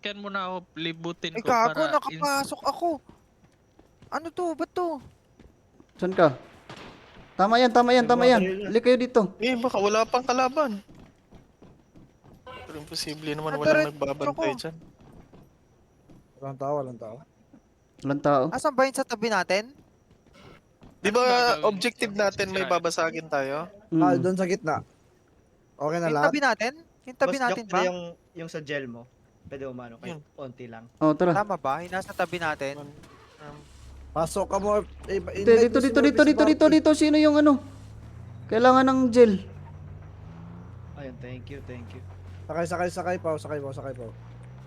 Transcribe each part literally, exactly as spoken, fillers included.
Sakyan mo na ako, libutin Ay ko gago, para... nakapasok ako. Ano to? Ba't to? Saan ka? Tama yan, tama yan, May tama mga yan. baril na. Halik kayo dito. Eh, baka wala pang kalaban. Pero imposible naman Ah, walang diretso nagbabantay ko. dyan. Walang tao, walang tao. Walang tao. Asan ba yun sa tabi natin? Di Anong ba gagawin objective mo? natin may Sisirain. babasagin tayo? Ah, Mm. doon sa gitna. Okay na Yung lahat? tabi natin? Yung tabi Boss natin Jock, ba? yung, yung sa gel mo. Pwede umano kayo. Yun. Konti lang. Oh, tara. Tama ba? Yung nasa tabi natin? Um, Pasok ka mo. Eh, Dito, dito, dito, dito, dito, dito, dito. Sino yung ano? Kailangan ng gel. Ayun, thank you, thank you. Sakay, sakay, sakay pa. Sakay po, sakay po.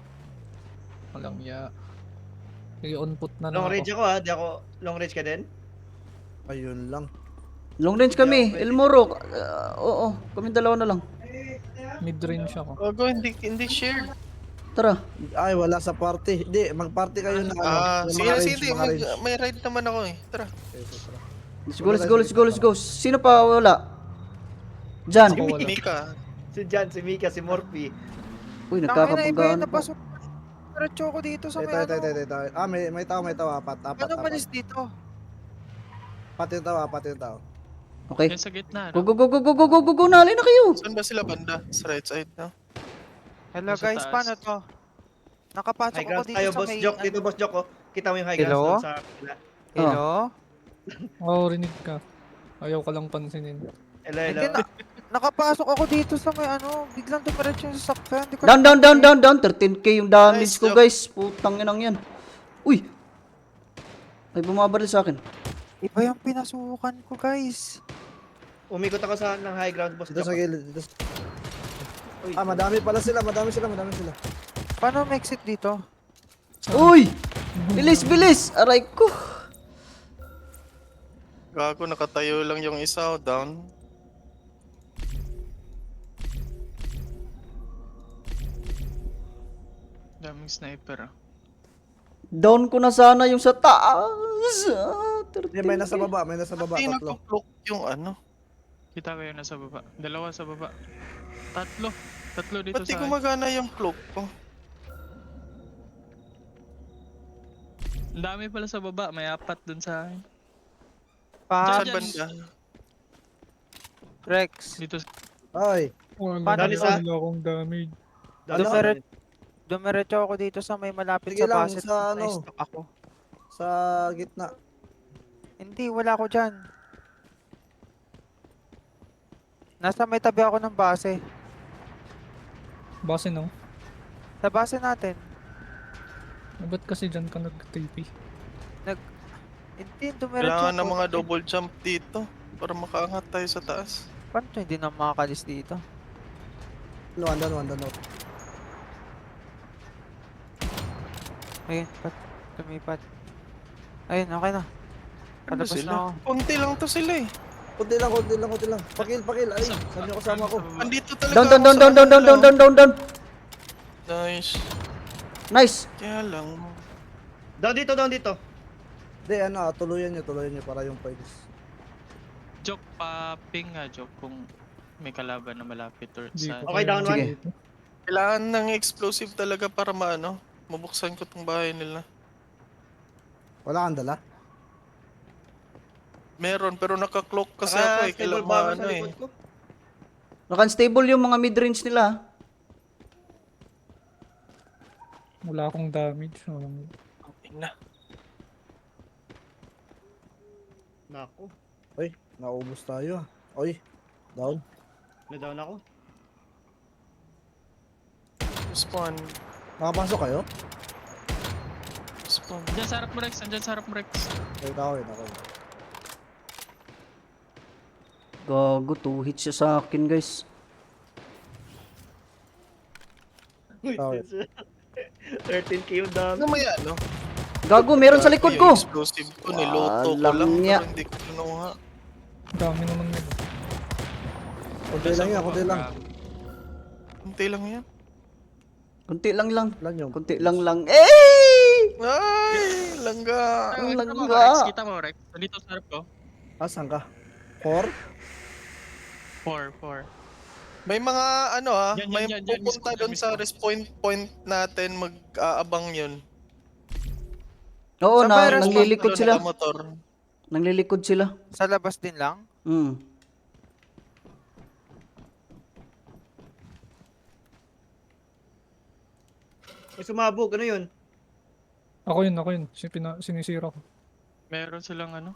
Walang ya. Sige, on put na lang Long ako. range ako ha, di ako long range ka din. Ayun lang. Long range kami. El Moro. Ah, oo, kami dalawa na lang. Mid range ako. Gago, hindi, hindi share. Tara. Ay, wala sa party. Hindi, mag-party kayo na ano. Ah, yung sige mga na, range, sige. mga Mag, range. may ride naman ako eh. Tara. Okay, so, tara. Let's go, let's go, let's go, let's go. Sino pa wala? Jan. Ako wala. Mika. Si Jan, si Mika, si Morphe. Uy, Tangina, iba nagkakabanggaan yun pa. napasok. Diretso ako dito sa Tayo, may tayo, tayo, tayo, ano. tayo. Ah, may, may tao, may tao. Apat, apat, Ano apat. malis dito? Apat yung tao, apat yung tao. Okay. Yan sa gitna, Go, no? go, go, go, go, go, go, go, nalay na kayo. Saan ba sila banda? Sa right side, no? Hello Nasa guys, taas. paano to? Nakapasok High ako ground dito tayo, sa boss may... Jock. ano. Dito, boss Jock, oh. Kita mo yung high Hello? ground doon sa kapila. Hello? Oo, oh, rinig ka. Ayaw ka lang pansinin. Hello, Hindi hello. na... Nakapasok ako dito sa may ano, biglang dumiretso yung sasakyan. Hindi ko Down, down, down, down, down. thirteen K yung damage Nice ko, job. guys. Putang inang yan. Uy. Ay, bumabaril sa akin. Iba yung pinasukan ko guys. Umikot ako sa ng high ground, boss Dito Jock. sa gilid. Dito sa... Uy, Ah, madami pala sila, madami sila, madami sila. Paano ma-exit dito? Uy! Bilis, bilis! Aray ko. Gago, nakatayo lang yung isa, oh, down. Daming sniper, ah. Down ko na sana yung sa taas. Ah, Hindi, may nasa thirteen K. baba, may nasa baba, Pati tatlo. nagpo-cloak yung ano. Kita ko yun nasa baba. Dalawa sa baba. Tatlo. Tatlo dito Ba't di sa akin. gumagana yung cloak ko? Ang dami pala sa baba. May apat dun sa akin. Pa, Saan banda? Rex. Dito sa... Ay, Wala Paano na isa? wala akong damage. down Ano? sa- Dumire- Dumiretso ako dito sa may malapit Sige sa lang, base. sa ano? Na-stuck ako. sa gitna. Hindi, wala ako dyan. Nasa may tabi ako ng base. Base no? Sa base natin. Eh, ba't kasi dyan ka nag-T P? Hindi, dumiretso Kailangan ng ako. mga double jump dito para makaangat tayo sa taas. Paano to hindi na makakalis dito? No, andun, andun, andun. Ayun, pat. Tumipat. Ayun, okay na. Ano Palabas na sila? ako. Konti lang to sila eh. Kunti lang, kunti lang, kunti lang. Pakil, pakil. Ay, sabi niyo kasama ko. Andito talaga Down, down, ako down, sa down, down, ano down, down, nila. down, down, down. Nice. Nice. Kaya lang. Down dito, down dito. Hindi, ano, ah, tuluyan niyo, tuluyan niyo para yung points. Joke pa ping nga, joke kung may kalaban na malapit or Di sa... ko Okay, kaya down one. Sige. dito. Kailangan ng explosive talaga para maano. Mabuksan ko tong bahay nila. Wala kang dala? Meron, pero naka-cloak kasi Saka ako eh. stable Kailangan bomber ano sa eh. likod ko. Naka-unstable yung mga mid-range nila. Wala akong damage. Walang... Tingnan na. Nako, Uy, naubos tayo ah. Uy, down. na-down ako. Spawn. Nakapasok kayo? Spawn. Andyan sa harap mo, Rex. Andyan sa harap mo, Rex. Wait ako, wait ako. Gago, two hits siya sa akin, guys. Uy, Okay. thirteen K yung dami. Ano may ano? Gago, meron sa likod ko. Yung explosive ko, niloto ko Alam lang. niya. Pero hindi ko kinuha. Dami naman nila. Kunti lang yan, kunti lang. Kunti lang yan. Kunti lang lang. Lang yung... Kunti lang lang. Eh! Ay! Langga! Ang Kita mo, langga. Rex. Kita mo, Rex. Dito sa harap ko. Ah, saan ka? Four? Four, four. May mga ano ah, Yan, yan, may yan, yan, pupunta mismo, doon yan, sa mismo. respawn point natin, mag-aabang yun. Oo, Sa na, virus, nanglilikod sila. Motor. Nanglilikod sila. Sa labas din lang? Hmm. May sumabog, ano yun? Ako yun, ako yun. Si pina, sinisira ko. Meron silang ano.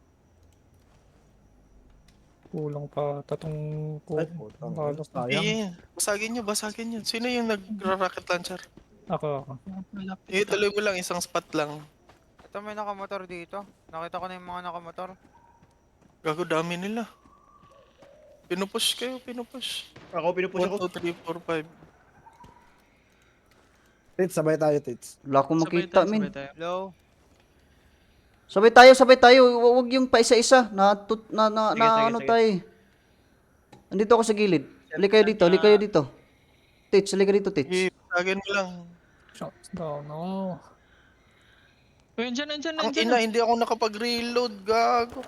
Kulang pa tatong ko. Ay, putang. Balak. Sayang. Eh, basagin nyo, basagin nyo. Sino yung nagra-rocket launcher? Ako, ako. Malapit Eh, na. tuloy mo lang, isang spot lang. Ito may nakamotor dito. Nakita ko na yung mga nakamotor. Gago, dami nila. Pinupush kayo, pinupush. Ako, pinupush one, ako. two, three, four, five. Tits, sabay tayo, Tits. Wala akong Sabay makita, tayo, min. sabay tayo. Low. Sabay tayo, sabay tayo. Hu- Huwag yung pa isa-isa. Na, tut- na, na, Sige, na sige, ano sige. tayo. Andito ako sa gilid. Halik kayo dito, halik kayo dito. Tits, halik ka dito, Tits. Eh, basagin mo lang. Shots down. Oh. Uy, andyan, andyan, Ang andyan. ina, hindi ako nakapag-reload, gago.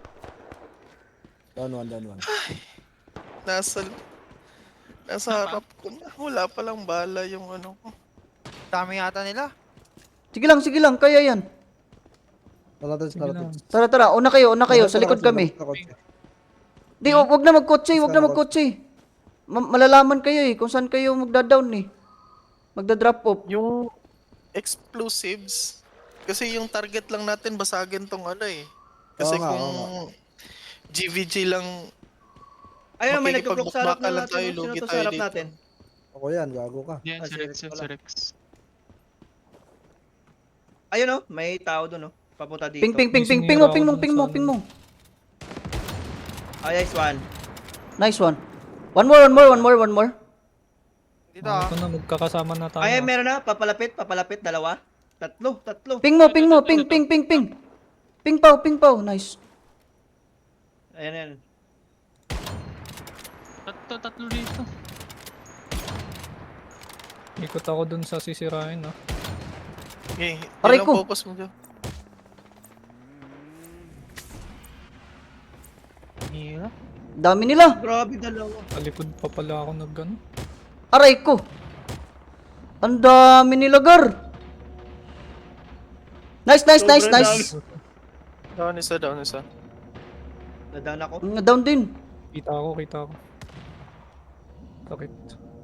Down one, down one. Nasa, nasa harap ko na. Wala palang bala yung ano ko. Dami yata nila. Sige lang, sige lang. Kaya yan. Tara, Tits, Sige tara, lang. Tits. Tara, tara. Una kayo, una kayo. Tara, Sa tara, likod tara, kami. tara, tara. Di, wag wag na magkotse, wag na Tara, magkotse. Ma- malalaman kayo eh kung saan kayo magda-down eh. Magda-drop off. Yung explosives, kasi yung target lang natin basagin tong ano eh. Kasi Oo nga, kung oo G V G lang, Ayun, may nagka-block sa harap Makikipagbuklakan na lang natin. tayo, Sino lugi to tayo sa harap dito. natin? Ako yan, gago ka. Yan, Ah, si si Rex, Rex yan, pala. si Rex. Ayun oh, may tao doon oh. Papunta dito. Ping, ping, ping, May ping, ping mo, sinira ping mo, ako ping dun mo, sa ping mo. Ay, nice one. Nice one. One more, one more, one more, one more. Dito Ah, ah. ito na, magkakasama na tayo. Ay, ah. meron na. Papalapit, papalapit. Dalawa. Tatlo, tatlo. Ping mo, ping mo, ping, ping, ping, ping. Ping pao, ping pao. Nice. Ayan, ayan. Tatlo, tatlo dito. Ikot ako dun sa sisirain ah. eh, Aray yun ko. ang focus mo dyan. Hirap. Dami nila. Grabe, dalawa. Talikod pa pala ako nag ano. Aray ko. Ang dami nila, gar. Nice, nice, nice, Sobrang nice. Down isa, down isa. Nadown ako. Nga down din. Kita ako, kita ako. Sakit.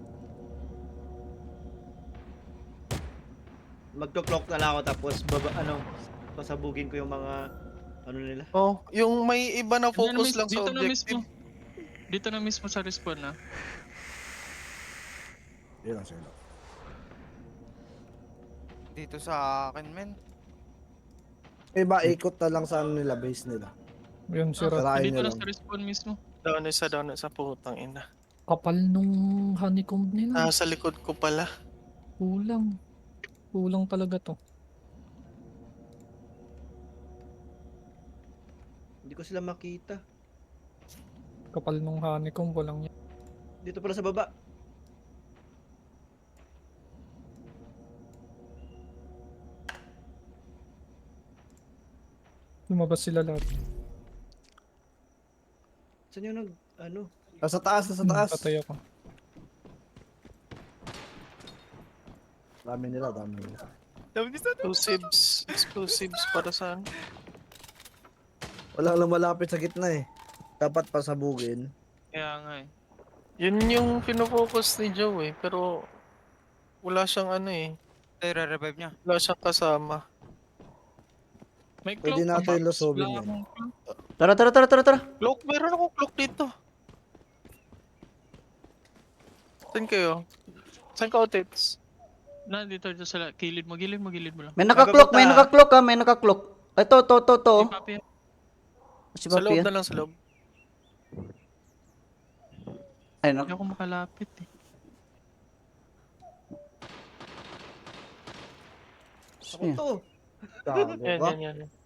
Magto-clock na lang ako tapos baba, ano, pasabugin ko yung mga, ano nila. Oh, yung may iba na Andyan na focus mis- lang sa dito na mismo. objective. Dito na mismo sa respawn na. Yun lang, sige lang. Dito sa akin, men. Iba, ikot na lang sa ano nila, base nila. Yun, sira. Sarain Dito nyo na lang. sa respawn mismo. Down isa, down isa, putang ina. Kapal nung honeycomb nila. Ah, sa likod ko pala. Kulang. Kulang talaga to. Hindi ko sila makita. Kapal nung honeycomb, walang yan. Dito pala sa baba. Lumabas sila lahat. Saan yung nag, ano? Nasa taas, nasa Hmm, taas. patay ako. Dami nila, dami nila. Explosives, explosives para saan? Walang lumalapit sa gitna eh. Dapat pasabugin. Kaya nga eh. Yun yung pinofocus ni Joe eh, pero wala siyang ano eh, Ito yung re-revive niya. wala siyang kasama. May Pwede cloak natin pa. lusobin Wala yan. akong cloak. Tara, tara, tara, tara, tara. Cloak, meron akong cloak dito. Saan kayo? Saan ka, Otits? Na, dito, dito sa la- kilid mo, gilid mo, gilid mo lang. May naka-clock, may Nagapunta. naka-clock ha, may naka-clock. Ito, to, to, to. Si Papi, Si Sa Papi loob yan. na lang, sa loob. Ay, hindi no. ako makalapit eh. Ako Ayan. to. Gago Yan, ka. yan, yan. yan.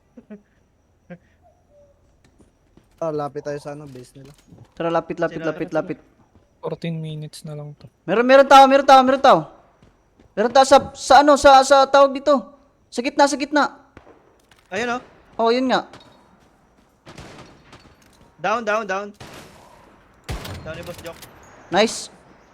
Ah, lapit tayo sa ano, base nila. Tara, lapit, lapit, Sila- lapit, lapit. fourteen minutes na lang to. Meron, meron tao, meron tao, meron tao. Meron tao sa, sa ano, sa, sa tawag dito. Sa gitna, sa gitna. Ayun oh. Oh, yun nga. Down, down, down. Down ni Boss Jock. Nice.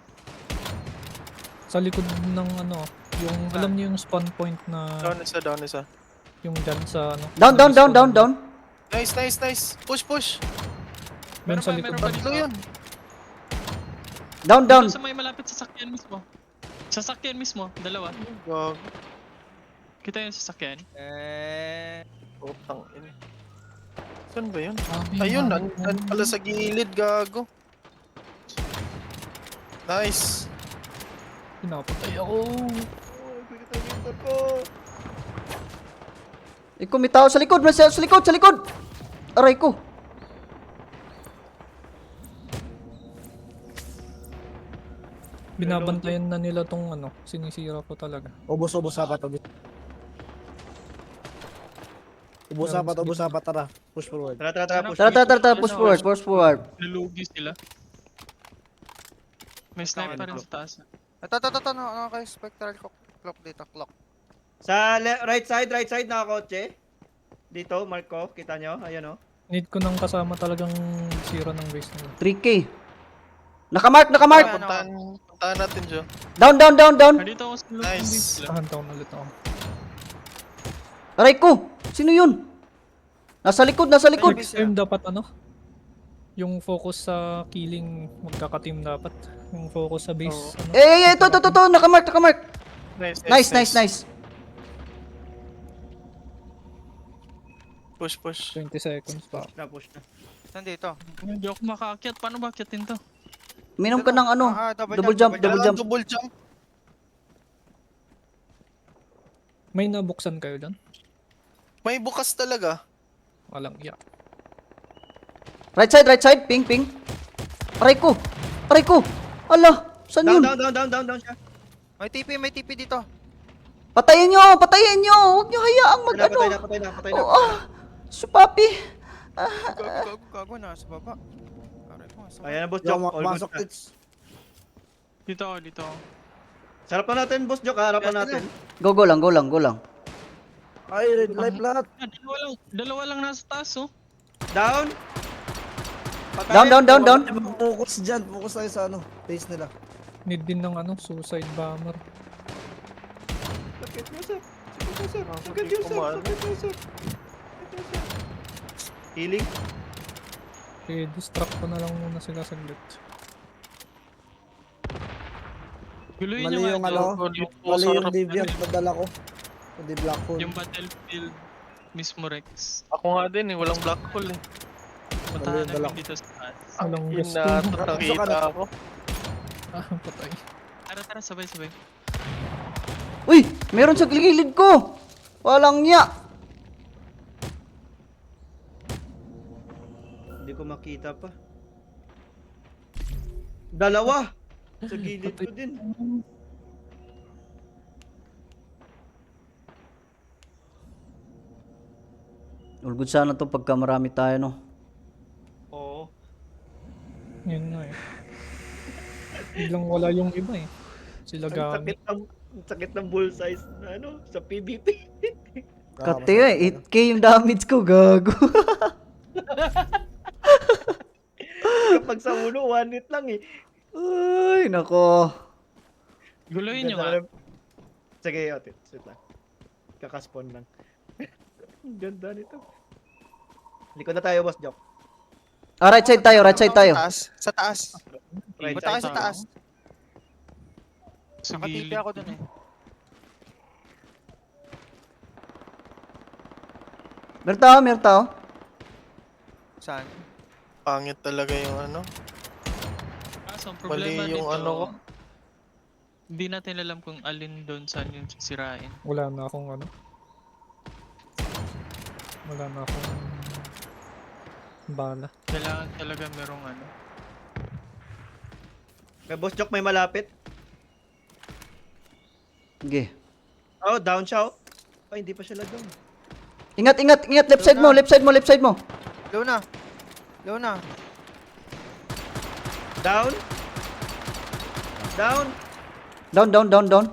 Sa likod ng ano, yung alam niyo yung spawn point na Down isa, down isa. yung dyan sa ano. Down, down, down, down, down. Nice, nice, nice. Push, push. Meron Meron sa pa, likod. meron pa Tatlo dito. yun. Down, down. Dito sa may malapit sa sakyan mismo. Sa sakyan mismo, dalawa. Gag. Kita yung sasakyan. Eh... Putang ina. Saan ba yun? Sabi Ayun, nga, nan nan pala sa gilid, gago. Nice. pinapatay ako. Ikaw may tao sa likod, may sa sa likod, sa likod. Aray ko. Binabantayan na nila tong ano, sinisira ko talaga. Ubus, ubus apat, ubus. Ubus apat, ubus apat, tara. Push forward. Tara, tara, tara, push. Tara, tara, tara, tara, push forward, push forward. Nalugi sila. May sniper rin sa taas. Ito, ito, ito, ito, ano, ano kayo, spectral clock, clock dito, clock. Sa le- right side, right side na kotse. Dito, mark ko. Kita nyo? Ayan o. Need ko nang kasama talagang sira ng base nila. three K. Nakamark, nakamark. Ano? Puntahan, puntahan natin siya. Down, down, down, down. Ah, dito ako sa loob ng Nice. base sila. Tahan taon ulit ako. Aray ko. Sino yun? Nasa likod, nasa likod. Next time dapat ano? Yung focus sa killing, magkaka-team dapat. Yung focus sa base. Ano? Eh, eh, eh, ito, ito, ito, ito. Nakamark, nakamark. Nice, Nice, nice, nice. Push, push. twenty seconds pa. Na, push na. Saan dito? Hindi ako makaakyat. Paano ba akyatin to? Minom ka ng ano. Ah, ah, Double jump, double Kailangan jump. double jump. May nabuksan kayo dyan? May bukas talaga. Walang iya. Right side, right side. Ping, ping. Aray ko. Aray ko. Ala, saan Down, yun? down, down, down, down, down siya. May T P, may T P dito. Patayin nyo, patayin nyo. Huwag nyo hayaang mag Patay na, ano. patay na, patay na, patay na. Oh, ah. Supapi. Gago, gago, gago, nasa baba. Aray ko, nasa baba. Ayan na, boss Yo, Joke. ma- All good masok na. tits. Dito ako, dito ako. Sarapan natin, boss Joke. Harapan natin. Go, go lang, go lang, go lang. Ay, red light lahat. Ah, dalawa lang. Dalawa lang nasa taas, oh. Down. Down, down, down, down. Focus dyan, focus tayo sa ano, base nila. Need din ng ano, suicide bomber. Sakit mo, sir. Sakit mo, sir. Ah, Sakit hindi mo, sir. kumaano. Sakit mo, sir. Healing. Okay, distract ko na lang muna sila saglit. Guluhin Mali nyo nga yung ito. ano, Dito, mali sa yung harap deviant namin. na dala ko. Hindi black hole. Yung battlefield mismo, Rex. Ako nga din eh, walang black hole eh. Puntahan dala namin dito sa taas. Walang Yun gusto. na, nakita ako. Ah, patay. Tara, tara, sabay, sabay. Uy, meron sa gilid ko. Walang niya. Hindi ko makita pa. Dalawa! Sa gilid ko din. All good sana to pagka marami tayo, no? Oo. Yun na eh. Biglang wala yung iba eh. Sila Ang gamit. sakit ng, ang sakit ng bullseye na ano, sa P V P. Kati eh, eight K yung damage ko, gago. Kapag sa ulo, one hit lang eh. Ay, nako. Guluhin nyo Ganda nga. na- Sige, otit. Sit lang. Kakaspawn lang. Ang ganda nito. Likod na tayo, boss Joke. Ah, right side tayo, right side tayo. Taas, sa taas. Right Punta kayo side sa taas. Sa Naka-T P gilid. ako dun eh. Meron tao, meron tao. Saan? Pangit talaga yung ano. Kaso, ang Mali problema yung dito, ano ko. hindi natin alam kung alin doon saan yung sisirain. Wala na akong ano. Wala na akong bala. Kailangan talaga merong ano. May boss Joke, may malapit. Sige. Oh, down siya oh. Ay, hindi pa siya down. Ingat, ingat, ingat. Left side mo, left side mo, left side mo. Low na. Low na. Down. Down. Down, down, down, down.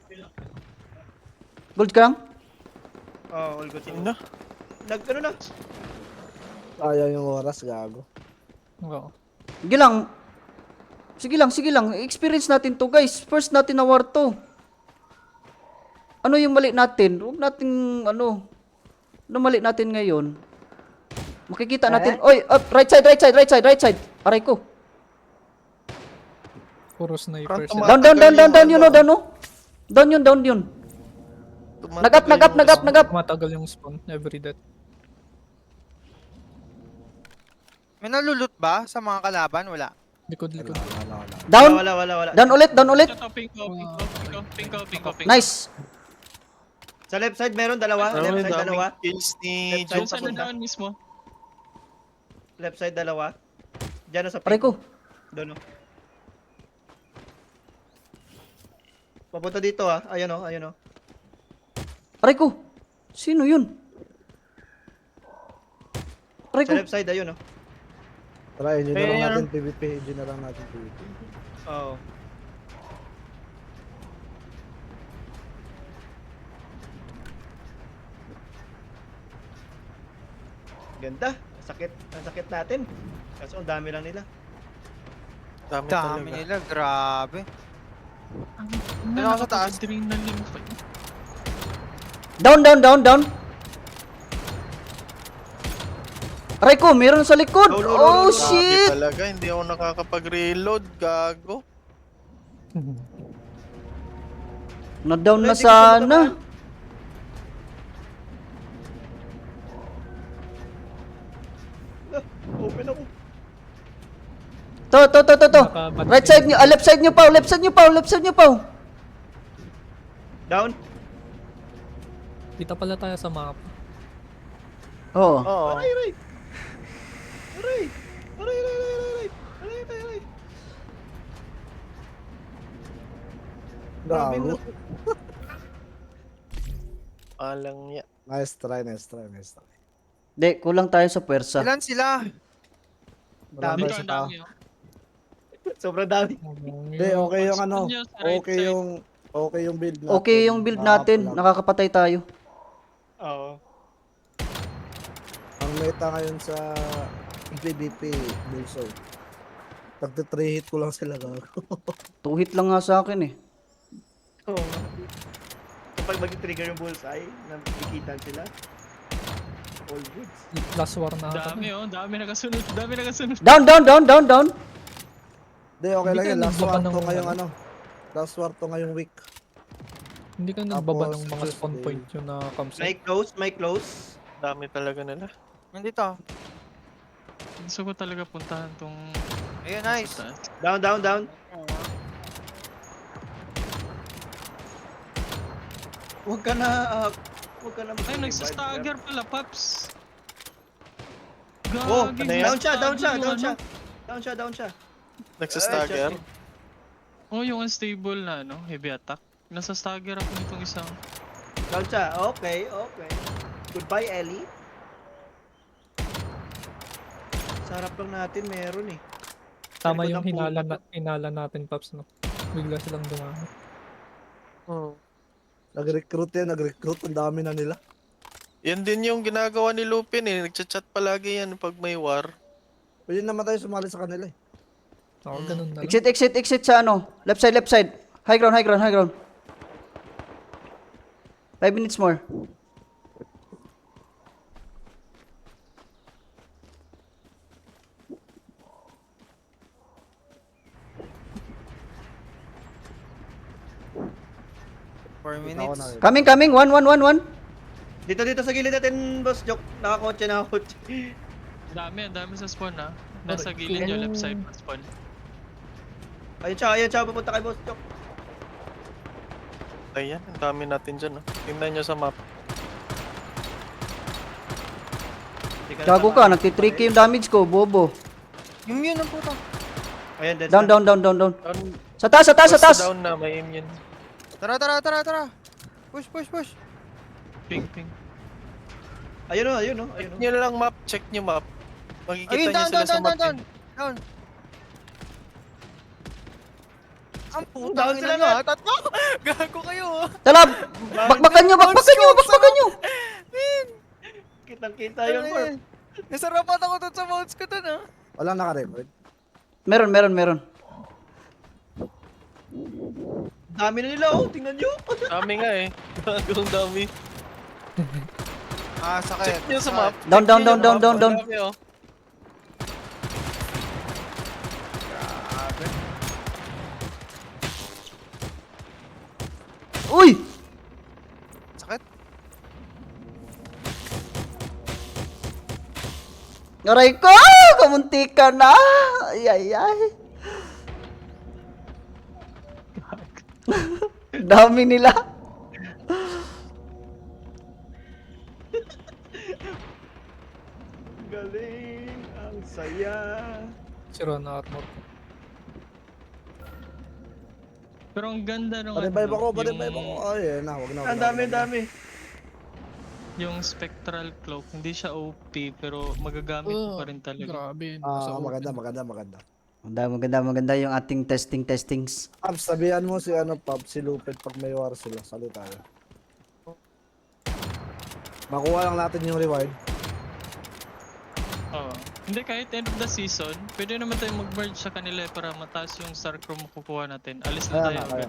Gold ka lang? Oh, all good. Yun na. Nag, ano na? Ayaw yung oras, gago. Oo. Sige lang. Sige lang, sige lang. Experience natin to, guys. First natin na war to. Ano yung mali natin? Huwag natin, ano, ano mali natin ngayon? Makikita natin. Oy, up, right side, right side, right side, right side. Aray ko. Puro sniper Front sila. Down, down, down, down, down yun, oh, down, oh. Down yun, down yun. Tumatagal Nag-up, nag-up, yung nag-up, spawn. nag-up. Matagal yung spawn every death. May nalulot ba sa mga kalaban? Wala. Likod, likod. Wala, wala, wala. Down. Wala, wala, wala. Down ulit, down ulit. Ito, ping ko, ping ko, ping ko, ping ko, ping ko, ping ko. Nice. Sa left side meron dalawa. Ano, Left side daming dalawa. kills ni Left Diyan side sa papunta. down mismo. Left side dalawa. Diyan sa Aray pink. ko. Doon oh. Papunta dito ah. Ayun oh, ayun oh. Aray ko. Sino yun? Aray Sa ko. left side ayun oh. Tara, engineer lang Ayun. natin PvP. Engineer lang natin PvP. Oo. Ganda. Ang sakit. Ang sakit natin. Kaso ang dami lang nila. Dami, Dami talaga. nila, grabe. Ang Ano ako sa taas? Adrenaline pa. Down, down, down, down. Aray ko, meron sa likod. No, no, no, no, Oh, no. Grabe shit. talaga, hindi ako nakakapag-reload, gago. Na-down na Hindi ko sana. Ah, open ako. To, to, to, to, to. Nakabat- Right side nyo, ah, left side nyo pa, left side nyo pa, left side nyo pa. Down. Kita pala tayo sa map. Oo. Oo. Aray, aray. Aray. Aray, aray, aray, aray. Aray, aray, aray. Grabe Gago. na. Alang niya. Nice try, nice try, nice try. Di, kulang tayo sa puwersa. Ilan sila? Wala Dami. tayo Dito sa ang tao. dami, oh. Sobrang dami. Hindi, okay yung ano. Spawn niya sa right Okay side. yung okay yung build natin. Okay yung build natin, Nakakapala. nakakapatay tayo. Oo. Ang meta ngayon sa PvP, Bullseye. Tagti three hit ko lang sila gago. Two hit lang nga sa akin eh. Oo. Kapag mag-trigger yung bullseye, nakikitan sila. All goods. Last war na ata. Dami, oh. Dami nakasunod. Dami nakasunod. Down, down, down, down, down. Hindi, okay Hindi lang ka yan. Last nagbaba war ng to ngayong ano? ano. Last war to ngayong week. Hindi ka nagbaba Tapos, ng mga spawn Tuesday. point yun na campsite. May close, may close. Dami talaga nila. Nandito. Gusto ko talaga puntahan tong... Ayun, nice. sa taas. Down, down, down. Huwag ka na, ah, huwag ka na Ay, mag-revive, nagsastagger pala, Paps. Oh, Gagi, ano yan? down siya, down siya, yung down ano. siya. Down siya, down siya. Nagsastagger. Oh, yung unstable na, ano, heavy attack. Nasa stagger ako nitong isang... Down siya. Okay, okay. Goodbye, Ellie. Sarap lang natin, meron eh. Tama likod yung ng hinala, puno. na, hinala natin, Paps, no? Bigla silang dumami. Hmm. Nag-recruit yan, nag-recruit. Ang dami na nila. Yan din yung ginagawa ni Lupin eh. Nagchat-chat palagi yan pag may war. Pwede naman tayo sumali sa kanila eh. Ako, ganun na lang. Exit, exit, exit sa ano. Left side, left side. High ground, high ground, high ground. Five minutes more. four Ako minutes. na rin. Coming, coming. One, one, one, one. Dito, dito sa gilid natin, boss Joke. Nakakotse, nakakotse. Dami, ang dami sa spawn, ha. Nasa gilid nyo, left side pa spawn. Ayun siya, ayun siya. Pupunta kay boss Joke. Ayan, ang dami natin dyan. Oh. Tingnan nyo sa map. Hindi na Gago ka, tama. nagti-three K yung damage ko, bobo. Yung yun ang puta. Ayan, dead Down, na. down, down, down, down. Down, Sa taas, sa taas, sa basta taas. down na, may aim yun. Tara, tara, tara, tara. Push, push, push. Ping, ping. Ayun o, ayun o, ayun Check o. nyo lang map, check nyo map. Makikita Ayun, nyo down, sila down, sa down, map. down, eh. down. Ang Down putang sila ina nyo, lahat. ah. Tatlo. Gago kayo, ah. Tala, bakbakan nyo, bakbakan nyo, bakbakan nyo. Kitang-kita yun, Ano Corp. yan? Nasarapat ako dun sa mounts ko dun, ah. Walang naka-record. Meron, meron, meron. Dami na nila oh, tingnan nyo. Dami nga eh. Gagawang dami. Ah, sakit. Check nyo sa map. Down, Check down, nyo down, yung down, map. down, down. Dami, oh. Uy! Sakit. Aray ko! Kamunti ka na! Ay, ay, ay. Dami nila. Galing, ang saya. Sira na armor ko. Pero ang ganda nung Panibayb ano, ako, panibayb yung- ako. Ay, yan na, wag na. wag Ang na, dami, wag na. dami. Yung spectral cloak, hindi siya O P pero magagamit mo Oh, pa rin talaga. Grabe. Ah, nasa maganda, open. maganda, maganda. Maganda, maganda, maganda yung ating testing testings. Pab, sabihan mo si ano, Pab, si Lupit pag may war sila. Sali tayo. Makuha lang natin yung reward. Oo. Hindi, kahit end of the season, pwede naman tayo mag-merge sa kanila eh, para mataas yung star chrome makukuha natin. Alis na Kaya tayo nga, kaya. agad.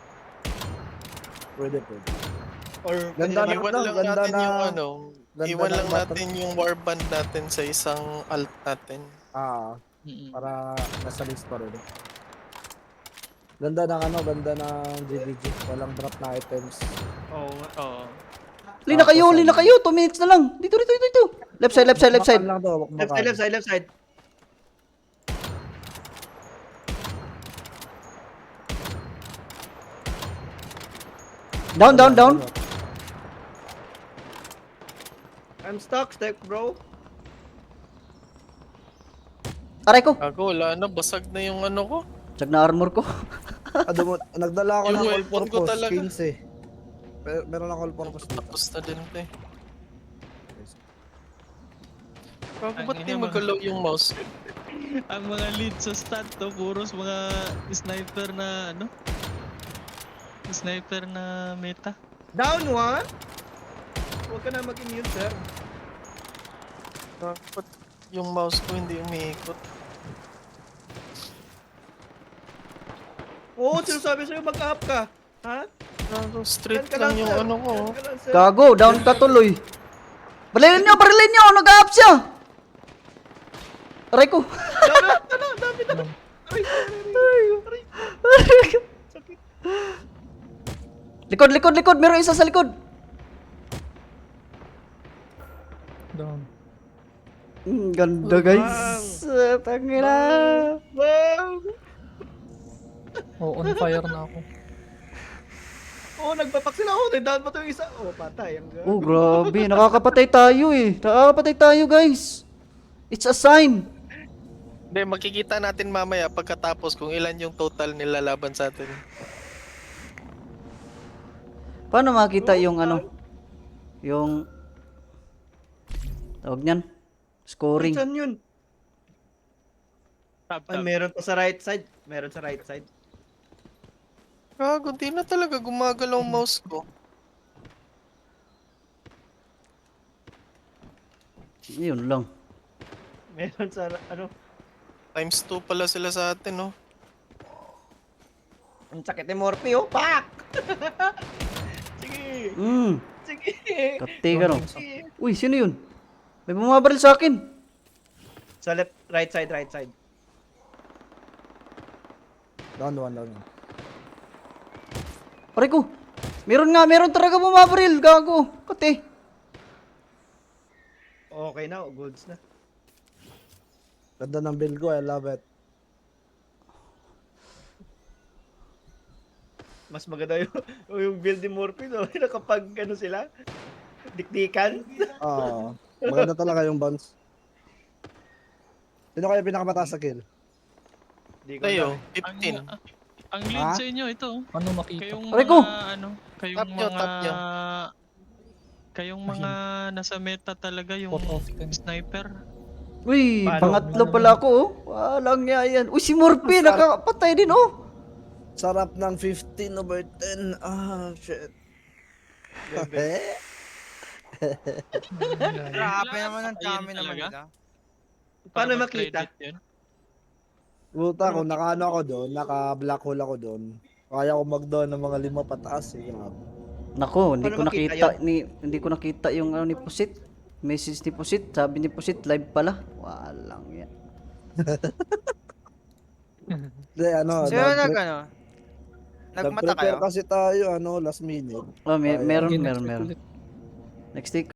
Pwede, pwede. Or Ganda pwede na- Iwan no, lang ganda natin na- yung ano. ganda Iwan ng lang button. natin yung warband natin sa isang alt natin. Ah, Mm-mm. para nasa list pa rin. Ganda ng ano, ganda ng G V G. Walang drop na items. Oo nga. Oo. Lina kayo, lina kayo. two minutes na lang. Dito, dito, dito, dito. Left side, left side, left side. Bakbakan lang to, Left bakbakan. side, left side, left side. Down, down, down. I'm stuck, step bro. Aray ko. Ako, wala na. Basag na yung ano ko. Check na armor ko. Ah, dumo- nagdala ako Yung ng all weapon ko purpose, talaga. quince. Pero meron ako all purpose dito. Tapos na din ito eh. Bago Ang ba't di ina mo. magalaw yung mouse? Ang mga lead sa stat to, puros mga sniper na ano? Sniper na meta. Down one. Huwag ka na mag-immune, sir. Bago ba't yung mouse ko hindi umiikot? Oo, sinasabi sa'yo mag-up ka. Ha? Bago straight Yan ka lang yung sir. ano ko. Yan ka lang, sir. Gago, down ka tuloy. Barilin nyo, barilin nyo. Nag-up siya. Aray ko. Dami, dami, dami, dami. Aray, aray, aray, aray. Sakit. Likod, likod, likod. Meron isa sa likod. Down. Mm, ganda guys. Uh, Tangina. Wow! Oh, on fire na ako. Oo, nagpapak sila. Oo, down pa to yung isa. Oo, patay. Ang gago. Oh, grabe. Nakakapatay tayo eh. Nakakapatay tayo guys. It's a sign. Hindi, makikita natin mamaya pagkatapos kung ilan yung total nila laban sa atin. Paano makita yung ano? Yung... Tawag niyan? Scoring. Saan yun? Tab, Ay, tab. meron pa sa right side. Meron sa right side. Gago, di na talaga gumagalaw ang mouse ko. Yun lang. Meron sa ano. Times two pala sila sa atin, no? Ang sakit ni Morphe, oh. Pak! Sige. Mm. Sige. Kati ka no. Sige. Uy, sino yun? May bumabaril sa akin. Sa left, right side, right side. Down one, down one. Aray ko. Meron nga, meron talaga bumabaril. Gago. Kati. Okay na, oh, goods na. Ganda ng build ko, I love it. Mas maganda yung, yung build ni Morphe, no? Nakapag, ano sila? Dikdikan. Ah, maganda talaga yung bounce. Sino kaya pinakamataas sa kill? Di ko Tayo, alam. fifteen. Ang, ang lead Ha? sa inyo, ito. oh. Ano makita? Kayong Aray mga, ko! ano, kayong Tap nyo, mga... tap nyo. Kayong mga nasa meta talaga, yung Pot of ten. sniper. Uy, Paano? pangatlo pala ako oh. Walang nga yan. Uy, si Morphe, nakakapatay din oh. Sarap ng fifteen over ten. Ah, shit. Eh? Grabe naman ang Ayun dami naman talaga? nila. Paano Para makita? mag-credit yun. Puta, kung nakaano ako doon, naka-black hole ako doon, kaya ko mag-down ng mga lima pataas eh. Grabe. Nako, hindi Paano ko makita nakita ni hindi ko nakita yung ano ni Pusit. Message ni Pusit, sabi ni Pusit live pala. Walang yan. Hindi, ano, Sino nag- nag ano? Nagmata kayo? nag-prepare kasi tayo, ano, last minute. Oh, may, Ay, meron, Again, meron, expect meron. ulit. Next week